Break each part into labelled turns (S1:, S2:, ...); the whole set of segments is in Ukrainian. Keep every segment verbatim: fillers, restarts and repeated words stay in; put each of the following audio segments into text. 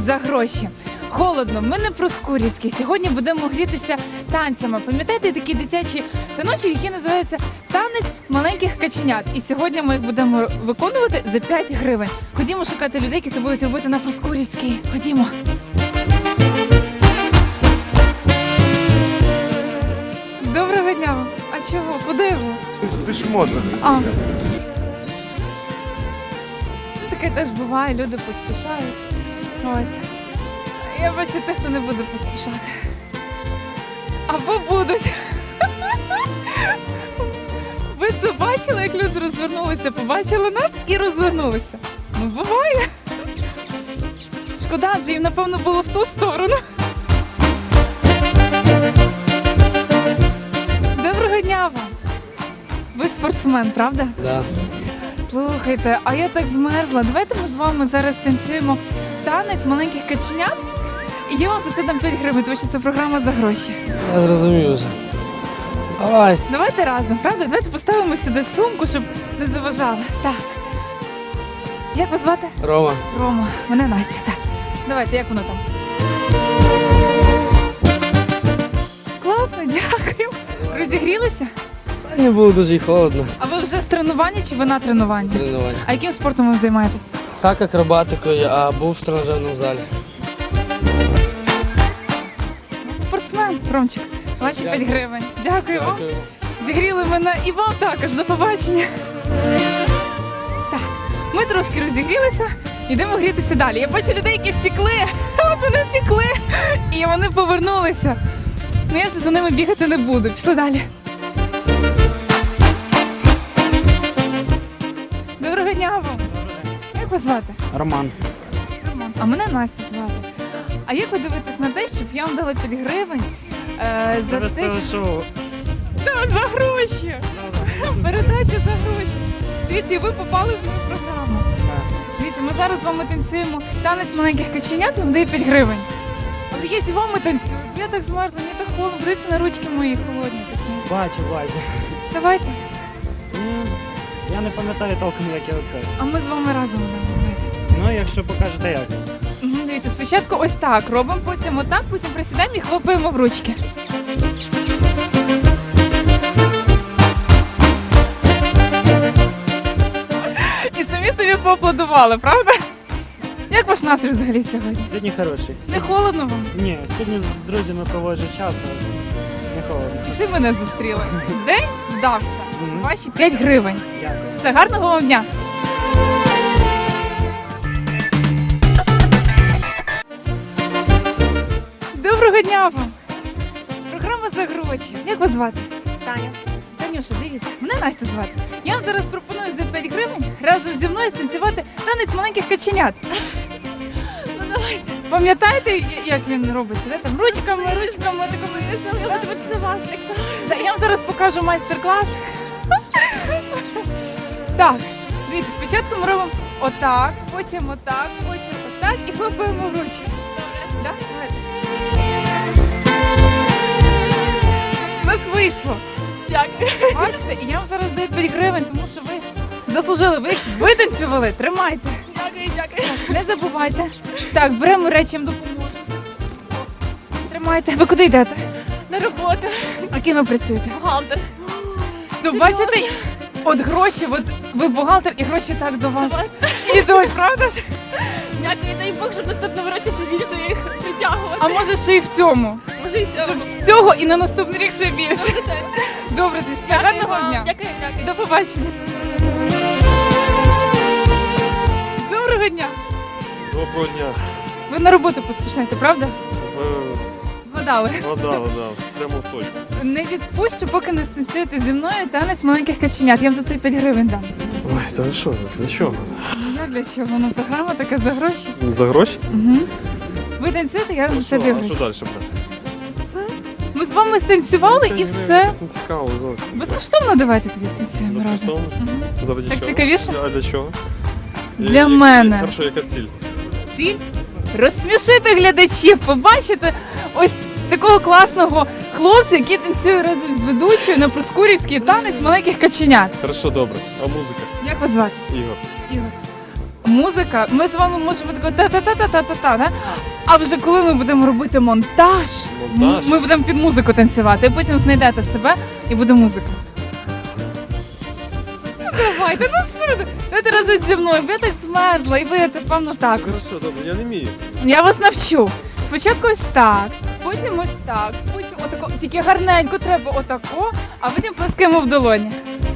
S1: за гроші. Холодно, ми не проскурівські. Сьогодні будемо грітися танцями. Пам'ятаєте такі дитячі таночки, які називаються «Танець маленьких каченят». І сьогодні ми їх будемо виконувати за п'ять гривень. Ходімо шукати людей, які це будуть робити на проскурівській. Ходімо. Доброго дня вам. А чого? Куди ви?
S2: Ти ж модно.
S1: А. Таке теж буває, люди поспішають. Ось. Я бачу тих, хто не буде поспішати. Або будуть. Ви це бачили, як люди розвернулися, побачили нас і розвернулися? Ну, буває. Шкода, адже їм, напевно, було в ту сторону. Доброго дня вам. Ви спортсмен, правда?
S3: Так. Да.
S1: Слухайте, а я так змерзла. Давайте ми з вами зараз танцюємо танець маленьких каченят. І я вам за це дам п'ять гривень, тому що це програма за гроші.
S3: Я зрозумів вже. Давай.
S1: Давайте разом, правда? Давайте поставимо сюди сумку, щоб не заважали. Так. Як вас звати?
S3: Рома.
S1: Рома. Мене Настя, так. Давайте, як воно там? Класно, дякую. Розігрілися?
S3: Та не було дуже й холодно.
S1: А ви вже з тренування чи ви на тренуванні?
S3: Тренування.
S1: А яким спортом ви займаєтесь?
S3: Так, акробатикою, а був в тренажерному залі.
S1: Спортсмен, Ромчик. Ваші п'ять гривень. Дякую вам.
S3: Дякую.
S1: Зігріли мене і вам також. До побачення. Так, ми трошки розігрілися. Йдемо грітися далі. Я бачу людей, які втекли. От вони втекли. І вони повернулися. Ну я вже за ними бігати не буду. Пішли далі. Доброго дня вам. Як вас звати?
S4: Роман.
S1: Роман. А мене Настя звати. А як ви дивитесь на те, щоб я вам дала п'ять гривень е, за те,
S4: Веселе
S1: що...
S4: шоу.
S1: Да, за гроші. Передача за гроші. Дивіться, і ви попали в мою програму. Дивіться, ми зараз з вами танцюємо танець маленьких каченят, я вам даю п'ять гривень. Але я з вами танцюю, бо я так змерзла, мені так холодно. Подивіться на ручки мої холодні такі.
S4: Бачу, бачу.
S1: Давайте.
S4: Ні, я не пам'ятаю толком, як я оце.
S1: А ми з вами разом будемо робити.
S4: Ну, якщо покажете як.
S1: Угу, дивіться, спочатку ось так робимо, потім отак, потім присідаємо і хлопаємо в ручки. І самі собі поаплодували, правда? Як ваш настрій взагалі сьогодні?
S4: Сьогодні хороший.
S1: Не холодно вам?
S4: Ні, сьогодні з друзями проводжу час, але не холодно.
S1: І ще мене зустріли. День вдався.
S4: Мгм.
S1: Ваші п'ять гривень.
S4: Дякую.
S1: Все, гарного вам дня. Доброго дня вам. Програма за гроші. Як вас звати?
S5: Таня.
S1: Танюша, дивіться, мене Настя звати. Я вам зараз пропоную за п'ять гривень разом зі мною станцювати танець маленьких каченят.
S5: Ну давайте.
S1: Пам'ятаєте, як він робиться? Де там ручками, ручками, такими.
S5: Я буду дивитися на вас, так само.
S1: Та я вам зараз покажу майстер-клас. Так, дивіться, спочатку ми робимо отак, потім отак, потім отак і хлопаємо в ручки.
S5: Добре.
S1: Так? Давайте. У нас вийшло.
S5: Дякую.
S1: Бачите, і я вам зараз даю п'ять гривень, тому що ви заслужили, ви витанцювали. Тримайте.
S5: Дякую, дякую.
S1: Не забувайте. Так, беремо речі, я вам допоможу. Тримайте. Ви куди йдете?
S5: На роботу.
S1: А ким ви працюєте?
S5: Бухгалтер.
S1: То бачите, от гроші, от ви бухгалтер і гроші так до вас ідуть, правда ж?
S5: Дякую, дай Бог, щоб наступного році ще більше їх притягувати.
S1: А може ще й в цьому,
S5: може і цього.
S1: щоб з цього і на наступний рік ще більше. Добре, ти все,
S5: Дякую
S1: гарного
S5: вам.
S1: дня.
S5: Дякую, дякую.
S1: До побачення. Доброго дня.
S2: Доброго дня.
S1: Ви на роботу поспішаєте, правда? Згадали.
S2: Вода, вода, прямо в точку.
S1: Не відпущу, поки не станцюєте зі мною танець маленьких каченят. Я вам за це п'ять гривень дам.
S2: Ой, та ви що, для чого?
S1: Ну як для чого? Ну програма така за гроші.
S2: За гроші?
S1: Угу. Ви танцюєте, я вам за це
S2: А
S1: дивлюсь.
S2: що далі буде?
S1: Все. Ми з вами станцювали і все.
S2: Це не цікаво зовсім.
S1: Безкоштовно давайте тоді станцюємо разом.
S2: Безкоштовно?
S1: Мгм.
S2: Заради
S1: Так
S2: чого?
S1: цікавіше?
S2: А для чого?
S1: Для
S2: І-
S1: мене.
S2: Хорошо, яка ціль?
S1: Ціль розсмішити глядачів, побачити ось такого класного хлопця, який танцює разом з ведучою на проскурівський танець маленьких каченят.
S2: Хорошо, добре. А музика?
S1: Як вас звати?
S2: Ігор.
S1: Ігор. музика, ми з вами можемо тако та-та-та-та-та-та, да? А вже коли ми будемо робити монтаж,
S2: Монтаж?
S1: м- ми будемо під музику танцювати, і потім знайдете себе і буде музика. Ну, давайте, ну що ти? Давайте разом зі мною, бо я так змерзла, і ви, певно,
S2: Ну
S1: також.
S2: що, добре, я не вмію.
S1: Я вас навчу. Спочатку ось так, потім ось так, потім отако, тільки гарненько треба отако, а потім плескаємо в долоні.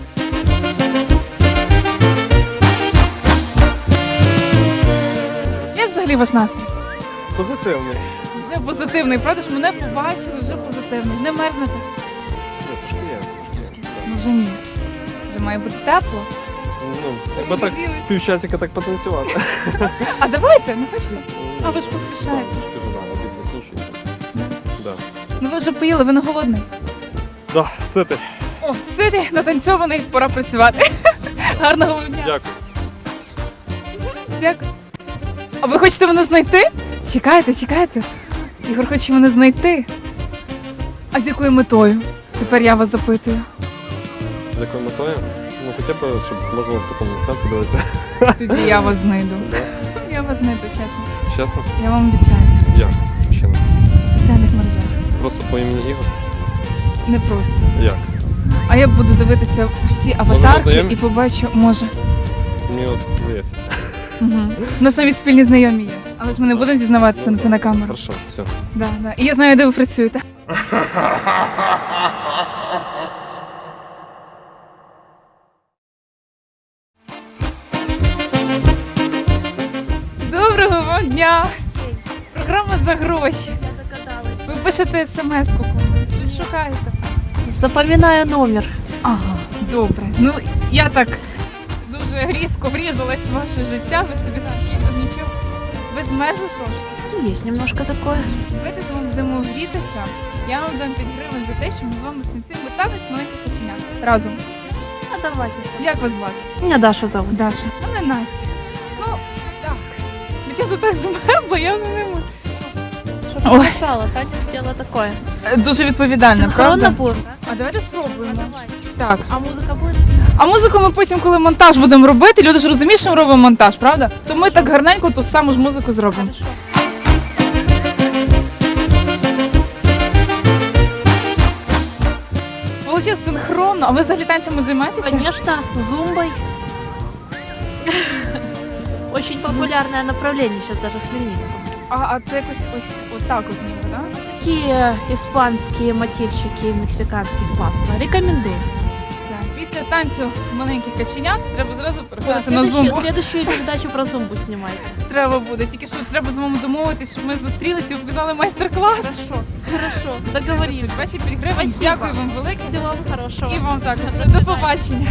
S1: Як взагалі ваш настрій?
S2: Позитивний.
S1: Вже позитивний, правда ж мене побачили, вже позитивний. Не мерзнете?
S2: Ну, трошки є, трошки є.
S1: Ну вже ні. Вже має бути тепло.
S2: Ну, якби так з півчасика так потанцювати.
S1: А давайте, не хочете? А ви ж поспішаєте.
S2: Так, трошки вже рано, обід закінчується. Да.
S1: Ну ви вже поїли, ви не голодний.
S2: Да, ситий.
S1: О, ситий, натанцьований, пора працювати. Гарного вам дня.
S2: Дякую.
S1: Дякую. А ви хочете мене знайти? Чекайте, чекайте. Ігор хоче мене знайти. А з якою метою? Тепер я вас запитую.
S2: З якою метою? Ну, хоча б, щоб можна було потім на це подивитися.
S1: Тоді я вас знайду. Я вас знайду, чесно.
S2: Чесно?
S1: Я вам обіцяю.
S2: Як? Ще не.
S1: В соціальних мережах.
S2: Просто по імені Ігор?
S1: Не просто.
S2: Як?
S1: А я буду дивитися всі аватарки
S2: знайомі?
S1: і побачу, може.
S2: Мені от здається.
S1: Угу. У нас навіть спільні знайомі є. Але ж ми не будемо зізнаватися на це на камеру.
S2: Хорошо, все.
S1: Да, да. І я знаю, де ви працюєте. Доброго вам дня! Програма за гроші.
S5: Я догадалась.
S1: Ви пишете смс-ку комусь, ви шукаєте просто.
S5: Запам'ятаю номер.
S1: Ага, добре. Ну, я так дуже різко врізалась в ваше життя, ви собі спокійно, нічого. Ви змерзли трошки.
S5: Ну, есть немножко такое.
S1: Давайте з вами будемо грітися. Я вам дам п'ять гривень за те, що ми з вами станцюємо танець маленьких каченят. Разом.
S5: А давайте. Стас.
S1: Як вас звати?
S5: Меня Даша зовут.
S1: Даша. Мене Настя. Ну, так. Ви чесно так змерзла, я вже не можу.
S5: Чтоб
S1: Ой.
S5: не мешало, Таня сделала такое.
S1: Е, Дуже відповідально,
S5: Синхронно
S1: правда?
S5: будем, да?
S1: А давайте
S5: А
S1: спробуємо.
S5: давайте.
S1: Так.
S5: А музыка будет?
S1: А музику ми потім, коли монтаж будемо робити, люди ж розуміють, що ми робимо монтаж, правда? То ми так гарненько ту саму ж музику зробимо.
S5: Хорошо.
S1: Получилось синхронно. А ви взагалі танцями займаєтеся?
S5: Конечно, зумбой. Очень популярное направление сейчас даже в Хмельницком.
S1: А, а це якось ось отак от ніби, да?
S5: Такие испанские мотивчики, мексиканские, классно. Рекомендую.
S1: Так. Після танцю маленьких каченят треба зразу
S5: Да,
S1: переходити на
S5: следующую,
S1: зумбу.
S5: следующую передачу про зумбу снимайте.
S1: Треба буде. Тільки що треба з вами домовитись, щоб ми зустрілися і ви показали майстер-клас.
S5: Хорошо, хорошо, договорились.
S1: Ваші п'ять гривень.
S5: Спасибо.
S1: Дякую вам велике.
S5: Всего вам хорошего.
S1: І вам також.
S5: До
S1: Все,
S5: свидання.
S1: до побачення.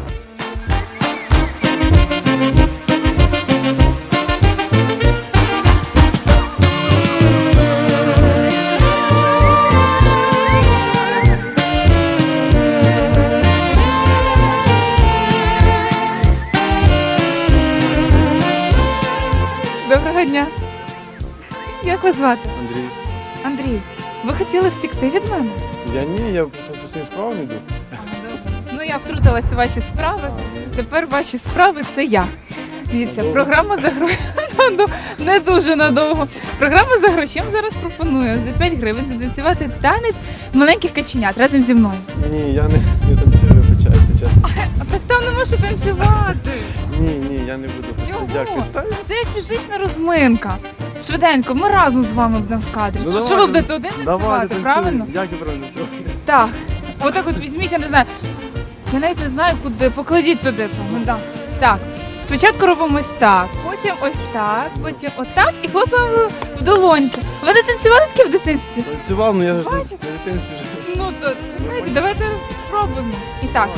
S1: Доброго дня. Як вас звати?
S6: Андрій.
S1: Андрій, ви хотіли втікти від мене?
S6: Я ні, я просто по своїм справам йду.
S1: Ну, я втрутилася у ваші справи. Тепер ваші справи це я. Дивіться,
S6: Надовго?
S1: програма за гроші не дуже надовго. Програма за гроші я вам зараз пропоную за п'ять гривень затанцювати танець маленьких каченят разом зі мною.
S6: Ні, я не, не танцюю, вибачайте, чесно.
S1: А так там не можу танцювати.
S6: Ні, ні, я не буду. Просто
S1: Чого?
S6: дякую. Та,
S1: Це як фізична розминка. Швиденько, ми разом з вами будемо в кадрі.
S6: ну,
S1: що, що
S6: давайте
S1: ви будете
S6: танцю-
S1: один
S6: давайте
S1: танцювати,
S6: танцюємо.
S1: правильно?
S6: Як я правильно танцювати?
S1: Так. Отак от візьміть, я не знаю. Я навіть не знаю, куди. Покладіть туди. по- да. Так. Спочатку робимо ось так, потім ось так, потім отак і хлопаємо в долоньки. Ви не танцювали таке в дитинстві?
S6: Танцював, ну я ж на
S1: Бачите?
S6: дитинстві вже.
S1: Ну то чекайте, давайте спробуємо. І так.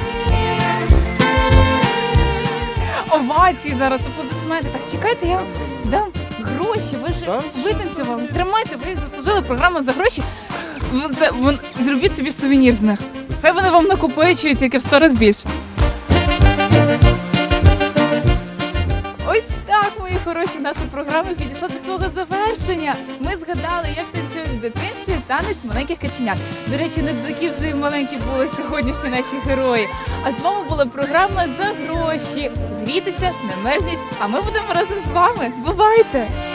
S1: Овації зараз, аплодисменти. Так, чекайте, я вам дам гроші. Ви ж
S6: Та,
S1: витанцювали. Тримайте, ви їх заслужили. Програма за гроші. В- це- вон- Зробіть собі сувенір з них. Хай вони вам накопичують тільки в сто разів більше. Ось так, мої хороші. що наша програма підійшла до свого завершення. Ми згадали, як танцюють в дитинстві танець маленьких каченят. До речі, не такі вже й маленькі були сьогоднішні наші герої. А з вами була програма «За гроші». Грійтеся, не мерзніть, а ми будемо разом з вами. Бувайте!